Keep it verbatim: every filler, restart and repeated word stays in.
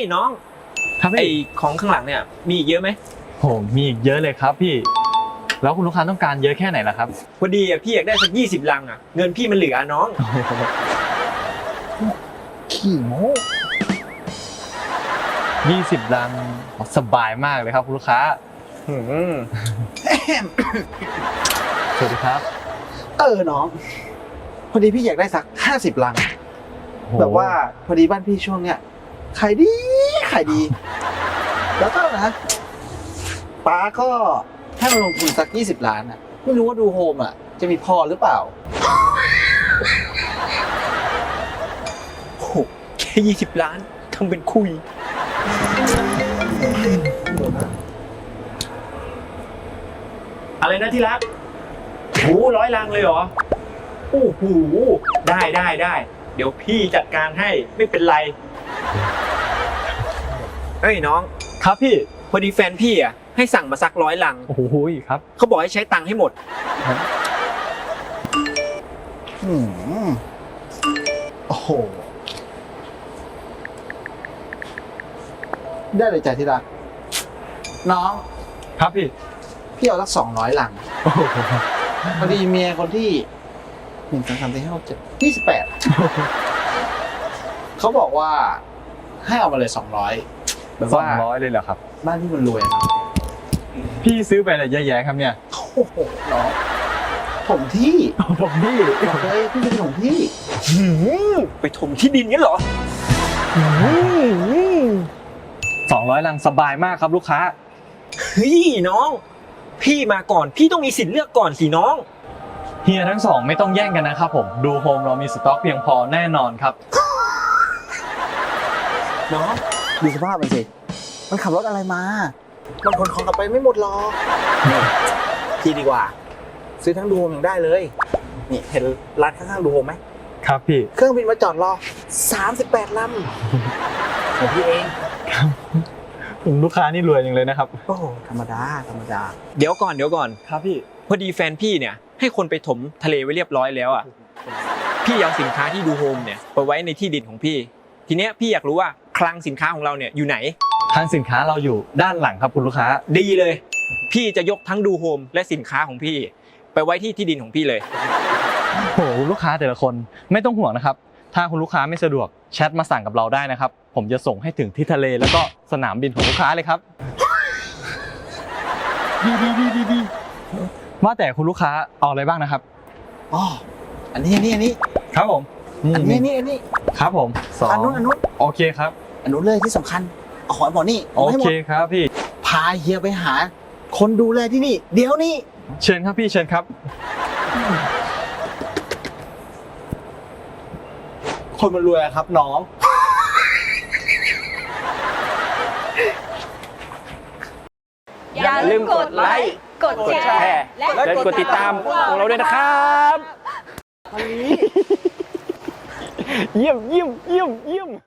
น้องครับไอพี่ของข้างหลังเนี่ยมีอีกเยอะไหมโหมีอีกเยอะเลยครับพี่แล้วคุณลูกค้าต้องการเยอะแค่ไหนล่ะครับพอดีอ่ะพี่อยากได้สักยี่สิบลังอ่ะเงินพี่มันเหลือน้องขี้โม้ยี่สิบลังสบายมากเลยครับคุณลูกค้าสวัสดีครับเออน้องพอดีพี่อยากได้สักห้าสิบลังแบบว่าพอดีบ้านพี่ช่วงเนี้ยขายดีขายดี แล้วก็นะป้าก็ให้มาลงทุนสักยี่สิบล้านอ่ะไม่รู้ว่าดูโฮมอ่ะจะมีพอหรือเปล่าโอ้โหแค่ยี่สิบล้านทำเป็นคุยอะไรนะที่รักโอ้ร้อยลังเลยเหรอโอ้โหได้ได้ได้เดี๋ยวพี่จัดการให้ไม่เป็นไรเอ้ยน้องครับพี่พอดีแฟนพี่อ่ะให้สั่งมาสักร้อยลังโอ้โหครับเขาบอกให้ใช้ตังค์ให้หมดอืมโอ้โหได้เลยจ้ะที่รักน้องครับพี่พี่เอาสักสองร้อยลังพอดีเมียคนที่หนึ่งสองสามสี่ห้าหกเจ็ดยี่สิบแปดเขาบอกว่าให้เอามาเลยสองร้อยแบบสอว่างร้อยเลยเหรอครับบ้านที่มันรวยนะพี่ซื้อไปอะไรเยอะแยะครับเนี่ยโอ้โหน้องผมที่ผมที่บอกเลยพี่เป็นผมที่ไปถมที่ดินงั้นเหรอสองร้อยลังสบายมากครับลูกค้าเฮ้ยน้องพี่มาก่อนพี่ต้องมีสิทธิ์เลือกก่อนสิน้องเฮียทั้งสองไม่ต้องแย่งกันนะครับผมดูโฮมเรามีสต็อกเพียงพอแน่นอนครับน้องดูสภาพมันสิมันขับรถอะไรมามันขนของกลับไปไม่หมดหรอกพี่ดีกว่าซื้อทั้งดูโฮมยังได้เลยนี่เห็นร้านข้างๆดูโฮมไหมครับพี่เครื่องบินมาจอดรอสามสิบแปดลำของพี่เองครับผมลูกค้านี่รวยจังเลยนะครับโอ้ธรรมดาธรรมดาเดี๋ยวก่อนเดี๋ยวก่อนครับพี่พอดีแฟนพี่เนี่ยให้คนไปถมทะเลไว้เรียบร้อยแล้วอ่ะพี่เอาสินค้าที่ดูโฮมเนี่ยไปไว้ในที่ดินของพี่ทีเนี้ยพี่อยากรู้ว่าคลังสินค้าของเราเนี่ยอยู่ไหนคลังสินค้าเราอยู่ด้านหลังครับคุณลูกค้าดีเลยพี่จะยกทั้งดูโฮมและสินค้าของพี่ไปไว้ที่ที่ดินของพี่เลยโหลูกค้าแต่ละคนไม่ต้องห่วงนะครับถ้าคุณลูกค้าไม่สะดวกแชทมาสั่งกับเราได้นะครับผมจะส่งให้ถึงที่ทะเลแล้วก็สนามบินของลูกค้าเลยครับดีดีดีดีดีว่าแต่คุณลูกค้าเอาอะไรบ้างนะครับอ๋ออันนี้อันนี้อันนี้ครับผมอันนี้อันนี้อันนี้ครับผมสองอันนู้นอันนู้นโอเคครับอันนู้นเลยที่สำคัญเอาของไอ้หมอนี่โอเคครับพี่พาเฮียไปหาคนดูแลที่นี่เดี๋ยวนี้เชิญครับพี่เชิญครับคนมันรวยครับน้องอย่าลืมกดไลค์กดแชร์และกดติดตามของเราด้วยนะครับเยี่ยมเยี่ยมเยี่ยมเยี่ยม